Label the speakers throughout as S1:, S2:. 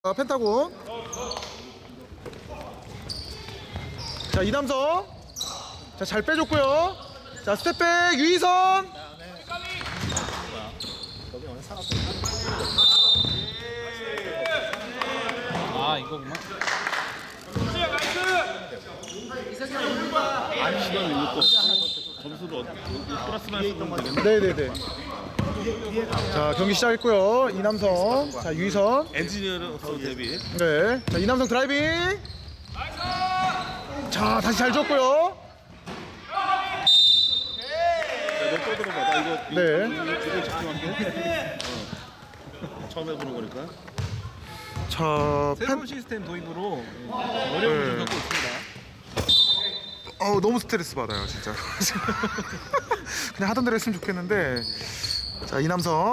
S1: 펜타곤. 자, 이남성. 자, 잘 빼줬고요. 자, 스텝백 유희선.
S2: 아, 이거구나.
S3: 아니 시간 이거 점수도 플러스만 했으면 되겠네.
S1: 네네네. 자, 경기 시작했고요. 이남성. 자, 유희선.
S3: 엔지니어로서 데뷔.
S1: 네. 자, 이남성 드라이빙. 자, 다시 잘 줬고요.
S3: 너또 들어봐. 나 이거
S1: 네.
S3: 이거 집중할게. 처음 해보는 거니까.
S1: 자,
S2: 새로운 시스템 도입으로 어려움을 좀 겪고 있습니다.
S1: 너무 스트레스 받아요, 진짜. 그냥 하던 대로 했으면 좋겠는데. 자, 이남성.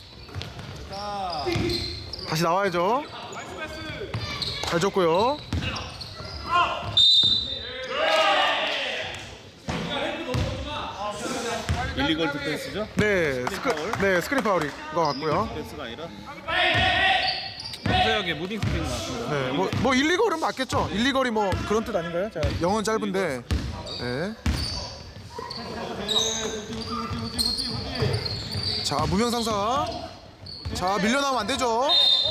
S1: 다시 나와야죠. 잘 줬고요.
S3: 일리걸 디펜스죠?
S1: 네,
S3: 파울?
S1: 스크린 파울인 것 같고요.
S3: 디펜스가 아니라.
S2: 검사역에 무딩 스크린 나왔습니다.
S1: 네, 뭐 일리걸은 맞겠죠. 일리걸이 뭐 그런 뜻 아닌가요? 자, 영어는 짧은데. 네. 자, 무명상사. 자, 밀려나오면 안 되죠.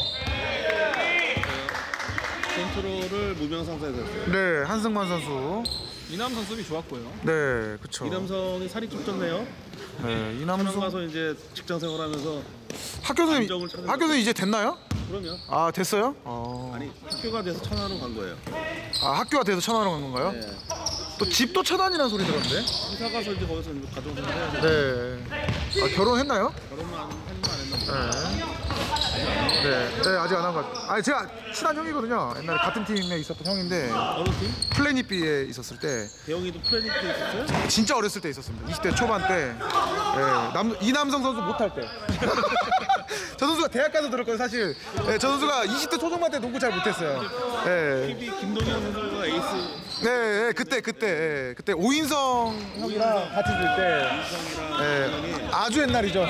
S3: 컨트롤을 무명상사에서 했어요.
S1: 네, 한승만 선수.
S2: 이남선 수비 좋았고요.
S1: 네, 그쵸.
S3: 이남성이 살이 좀 쪘네요.
S1: 네,
S3: 천안
S1: 이남성.
S3: 가서 이제 직장 생활하면서
S1: 학교
S3: 감정을 찾는
S1: 선생님 이제 됐나요?
S3: 그러면
S1: 아, 됐어요?
S3: 아니 학교가 돼서 천안으로 간 거예요.
S1: 아, 학교가 돼서 천안으로 간 건가요?
S3: 네.
S1: 또 집도 천안이라는 소리 들었는데.
S3: 이사 가서 이제 거기서 이제 가정생활 해야 돼.
S1: 네. 아, 결혼했나요?
S3: 결혼만 했나 안 했나 모르겠어요.
S1: 네, 아직 안 한 것 같아요. 아니, 제가 친한 형이거든요. 옛날에 같은 팀에 있었던 형인데
S3: 어느 팀?
S1: 플래닛 B에 있었을 때
S3: 대영이도 플래닛도 있었어요?
S1: 진짜 어렸을 때 있었습니다. 20대 초반 때. 이남성 선수 못할 때. 저 선수가 대학 가서 들었거든요, 사실. 네, 저 선수가 20대 초중반 때 농구 잘 못했어요. 네.
S3: TV 김동현 선수가 에이스
S1: 네, 그때 오인성 형이랑 같이 들 때.
S3: 이성이랑
S1: 네, 아주 옛날이죠.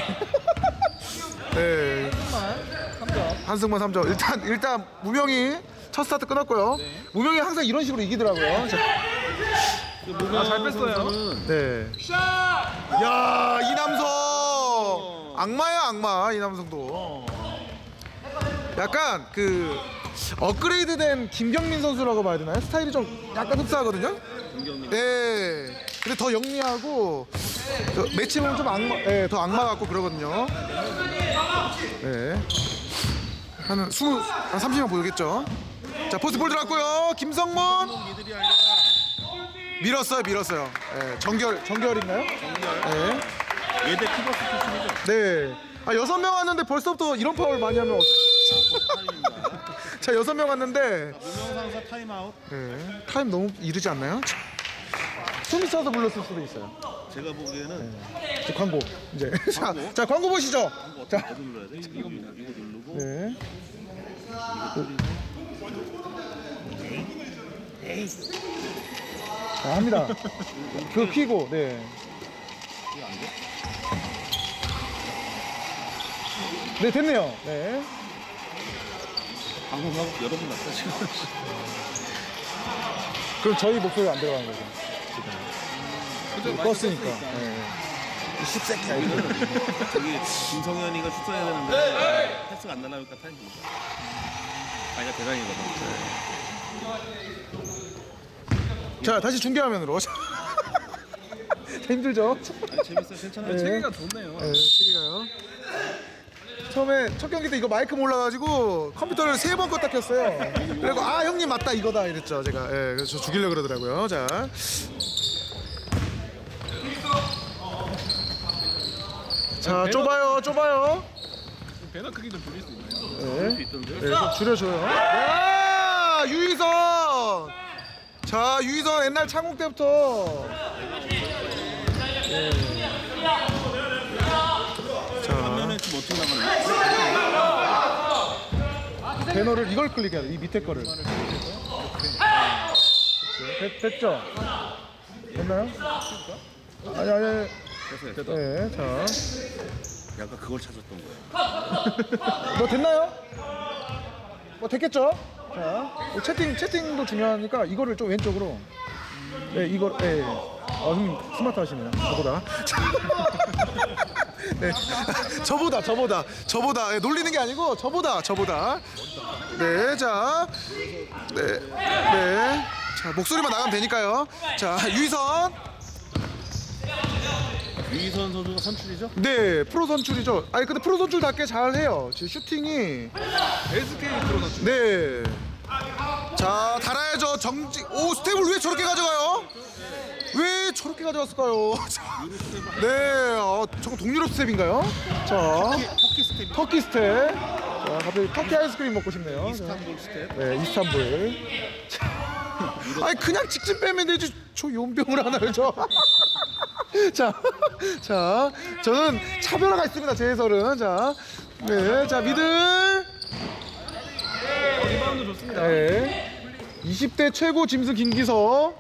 S1: 네. 한승만 3점. 일단 무명이 첫 스타트 끊었고요. 무명이 항상 이런 식으로 이기더라고요. 자,
S2: 잘 뺐어요.
S1: 네. 야, 이남성 악마야, 악마. 이남성도 약간 그 업그레이드된 김경민 선수라고 봐야 되나요? 스타일이 좀 약간 흡사하거든요.
S3: 김경민.
S1: 네. 근데 더 영리하고 매치 보면 좀 악마, 네, 더 악마 같고 그러거든요. 네. 한 30명 보겠죠. 자, 포스트볼 들어갔고요. 김성문
S3: 이들이 아니라
S1: 밀었어요. 네, 정결인가요? 네.
S3: 예대 피버스 출신이죠.
S1: 네. 아, 6명 왔는데 벌써부터 이런 파울 많이 하면
S3: 타임입니다.
S1: 자, 6명 왔는데
S3: 무명상사 타임아웃.
S1: 네. 타임 너무 이르지 않나요? 숨이 차서 불렀을 수도 있어요.
S3: 제가 보기에는
S1: 자, 광고 이제
S3: 광고?
S1: 자, 광고 보시죠.
S3: 어디 눌러야 돼? 이거 누르고
S1: 네. 자, 합니다. 그거 키고, 네. 네, 됐네요. 네.
S3: 방송하고 여러 번 났다 지금.
S1: 그럼 저희 목소리가 안 들어가는 거죠. 지금. 껐으니까. 네. 이 씹새끼야, 이거.
S3: 저기 김성현이가 슛해야 되는데 패스가 안 날라오니까 타임 줍니다. 아니가 대단이거든.
S1: 자, 다시 중계화면으로. 힘들죠?
S3: 아니 재밌어요. 괜찮아요.
S1: 네.
S2: 체계가 좋네요.
S1: 네, 세개가요. 처음에 첫 경기 때 이거 마이크 몰라가지고 컴퓨터를 3번 껐다 켰어요. 그리고 아, 형님 맞다 이거다 이랬죠 제가. 예, 그래서 저 죽이려고 그러더라고요. 자, 좁아요.
S2: 배너 크기 좀 줄일 수 있나요?
S1: 네,
S3: 수 있던데.
S1: 네, 좀 줄여줘요. 야, 유희선. 자, 유희선 옛날 창국 때부터. 네. 자,
S3: 화면에 지금 어떻게 나가는
S1: 배너를 이걸 클릭해야 돼. 이 밑에 거를. 됐죠? 됐나요? 아니.
S3: 됐어요.
S1: 네, 자.
S3: 약간 그걸 찾았던 거예요.
S1: 뭐 됐나요? 뭐 됐겠죠? 자, 뭐 채팅도 중요하니까 이거를 좀 왼쪽으로. 네, 이거, 네. 형님 스마트 하시네요. 저보다. 네. 저보다. 네, 놀리는 게 아니고 저보다. 네, 자, 네. 자, 목소리만 나가면 되니까요. 자, 유희선.
S3: 유희선 선수가 선출이죠?
S1: 네, 프로 선출이죠. 아니 근데 프로 선출답게 잘 해요. 지금 슈팅이
S2: SK 프로 선수.
S1: 네. 자, 달아야죠. 오, 스텝을 왜 저렇게 가져가요? 왜 저렇게 가져갔을까요? 네, 저거 동유럽 스텝인가요? 자,
S3: 터키 스텝이
S1: 터키 스텝. 자, 갑자기 터키 아이스크림 먹고 싶네요.
S3: 이스탄불 스텝.
S1: 네, 이스탄불. 아니 그냥 직진 빼면 되지. 저 용병을 하나를 줘. 자, 저는 차별화가 있습니다. 제 해설은. 자, 네, 자 미들.
S2: 리바운드 좋습니다.
S1: 네. 20대 최고 짐승 김기석.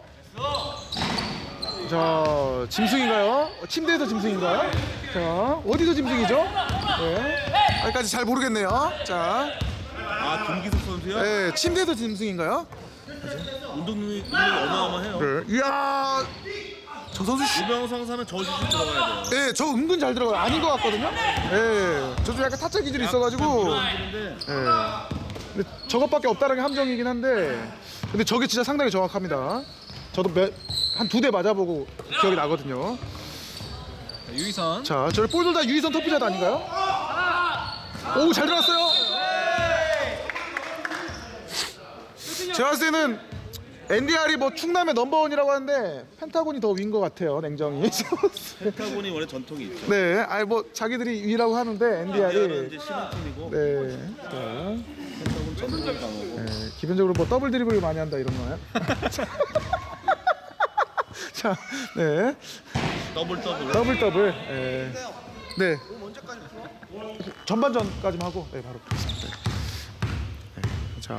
S1: 자, 짐승인가요? 침대에서 짐승인가요? 자, 어디서 짐승이죠? 네. 아직까지 잘 모르겠네요. 자,
S3: 김기석 선수요?
S1: 네, 침대에서 짐승인가요?
S3: 운동 능력이 어마어마해요.
S1: 네. 이야, 저 선수
S3: 유병상 사면 저 슛이 들어가야 돼요.
S1: 네, 저 은근 잘 들어가요. 아닌 것 같거든요. 네, 저 좀 약간 타짜 기질이 있어가지고.
S3: 물어주는데
S1: 네. 근데 저것밖에 없다는 게 함정이긴 한데, 근데 저게 진짜 상당히 정확합니다. 저도 한 2대 맞아보고 기억이 나거든요.
S2: 유희선.
S1: 자, 저를 볼들 다 유희선 터프샷 아닌가요? 오, 잘 들어갔어요. 제가 봤을 때는 NDR이 뭐 충남의 넘버원이라고 하는데 펜타곤이 더 위인 것 같아요, 냉정히.
S3: 펜타곤이 원래 전통이 있죠.
S1: 네, 아니 뭐 자기들이 위라고 하는데
S3: NDR은
S1: NDR이
S3: 이제 신흥 팀이고
S1: 네,
S3: 펜타곤 전통이 강하고.
S1: 네, 기본적으로 뭐 더블 드리블을 많이 한다 이런 거요. 자, 네, 더블, 네, 전반전까지만 하고, 네, 바로 보겠습니다. 네. 자,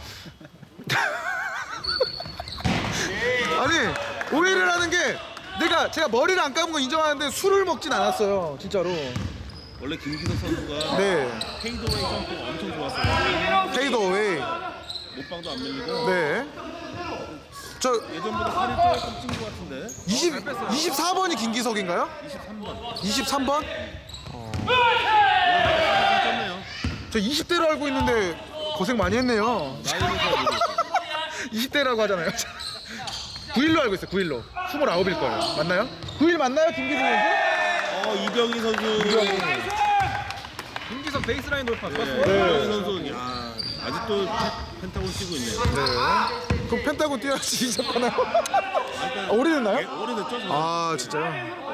S1: 아니 오해를 하는 게 제가 머리를 안 감은 거 인정하는데 술을 먹진 않았어요, 진짜로.
S3: 원래 김기석 선수가
S1: 네,
S3: 페이드웨이 점프가 엄청 좋았어요.
S1: 페이드어웨이.
S3: 못방도 안 밀리고.
S1: 네, 저
S3: 예전보다 살이 조금 찐 것 같은데.
S1: 24번이 김기석인가요?
S3: 23번.
S1: 23번?
S3: 좀 쪘네요.
S1: 저 20대로 알고 있는데 고생 많이 했네요.
S3: 나이는 잘 모르겠어요.
S1: 20대라고 하잖아요. 9일로 알고 있어요. 9일로. 29일 거예요. 맞나요? 9일 맞나요, 김기석 선수?
S3: 이병희 선수.
S2: 김기석 베이스라인 돌파
S3: 네.
S2: 좋았습니다.
S3: 이병희 선수. 야, 아직도 펜타곤 뛰고 있네요.
S1: 네. 그럼 펜타곤 뛰어야지 시작하나요? 오래됐나요?
S3: 오래됐죠? 저는.
S1: 아, 진짜요?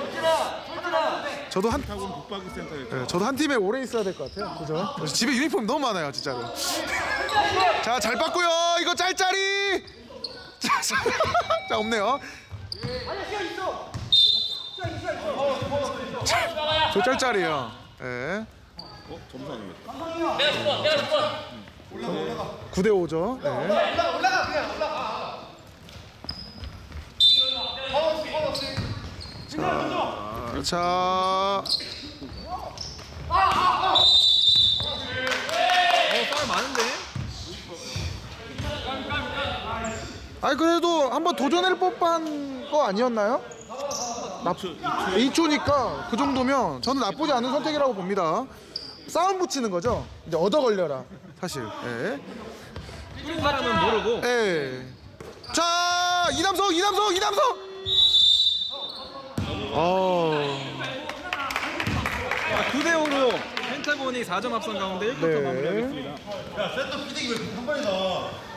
S1: 저도
S3: 펜타곤 북박이 센터였죠.
S1: 네, 저도 한 팀에 오래 있어야 될 것 같아요. 그죠? 집에 유니폼 너무 많아요, 진짜로. 자, 잘 봤고요. 이거 짤짤이. 자, 없네요. 저 짤짤이에요. 네.
S3: 점수 안 올렸다.
S1: 9대 5죠. 네. 자,
S2: 파울 많은데.
S1: 아니 그래도 한번 도전할 법한 거 아니었나요? 2초니까 그 정도면 저는 나쁘지 않은 선택이라고 봅니다. 싸움 붙이는 거죠. 이제 얻어 걸려라. 사실. 예.
S2: 뛰는 사람은 모르고.
S1: 예. 자, 이남성.
S2: 9대 5로 펜타곤이 4점 앞선 가운데 1쿼터
S1: 네.
S2: 마무리하겠습니다.
S4: 야, 센터 피딩이 왜 한 번에 나와?